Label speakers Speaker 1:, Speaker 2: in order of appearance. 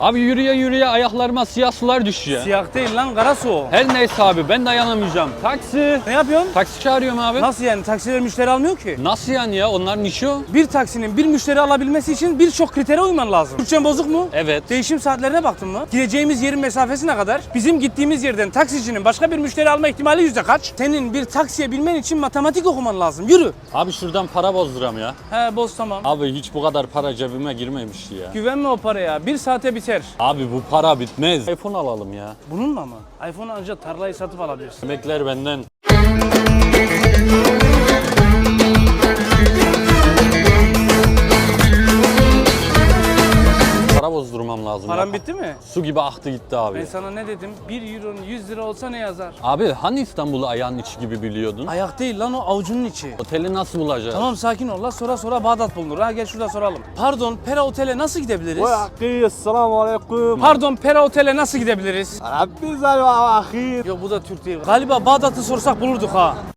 Speaker 1: Abi yürüye yürüye ayaklarıma siyah sular düşüyor.
Speaker 2: Siyah değil lan, kara su o.
Speaker 1: Her neyse abi ben dayanamayacağım. Taksi.
Speaker 2: Ne yapıyorsun?
Speaker 1: Taksi çağırıyorum abi.
Speaker 2: Nasıl yani? Taksiler müşteri almıyor ki.
Speaker 1: Nasıl yani ya? Onların işi o.
Speaker 2: Bir taksinin bir müşteri alabilmesi için birçok kritere uyman lazım. Türkçen bozuk mu?
Speaker 1: Evet.
Speaker 2: Değişim saatlerine baktın mı? Gideceğimiz yerin mesafesi ne kadar? Bizim gittiğimiz yerden taksicinin başka bir müşteri alma ihtimali yüzde kaç? Senin bir taksiye binmen için matematik okuman lazım. Yürü.
Speaker 1: Abi şuradan para bozduram ya.
Speaker 2: He boz tamam.
Speaker 1: Abi hiç bu kadar para cebime girmemişti ya.
Speaker 2: Güvenme o paraya. Bir saate biter.
Speaker 1: Abi bu para bitmez. iPhone alalım ya.
Speaker 2: Bununla mı? iPhone ancak tarlayı satıp alabilirsin.
Speaker 1: Emekler benden. Para bozdurmam lazım.
Speaker 2: Paran
Speaker 1: ya.
Speaker 2: bitti mi?
Speaker 1: Su gibi aktı gitti abi.
Speaker 2: Ben sana ne dedim? 1 euronun 100 lira olsa ne yazar?
Speaker 1: Abi hani İstanbul'u ayağın içi gibi biliyordun?
Speaker 2: Ayak değil lan, o avucunun içi.
Speaker 1: Oteli nasıl bulacağız?
Speaker 2: Tamam sakin ol la, sonra Bağdat bulunur. Ha gel şurada soralım. Pardon, Pera Otel'e nasıl gidebiliriz?
Speaker 3: أخي السلام عليكم
Speaker 2: Pardon, Pera Otel'e nasıl gidebiliriz?
Speaker 3: ربي زال أخي
Speaker 2: Yok bu da Türk değil. Galiba Bağdat'ı sorsak bulurduk ha.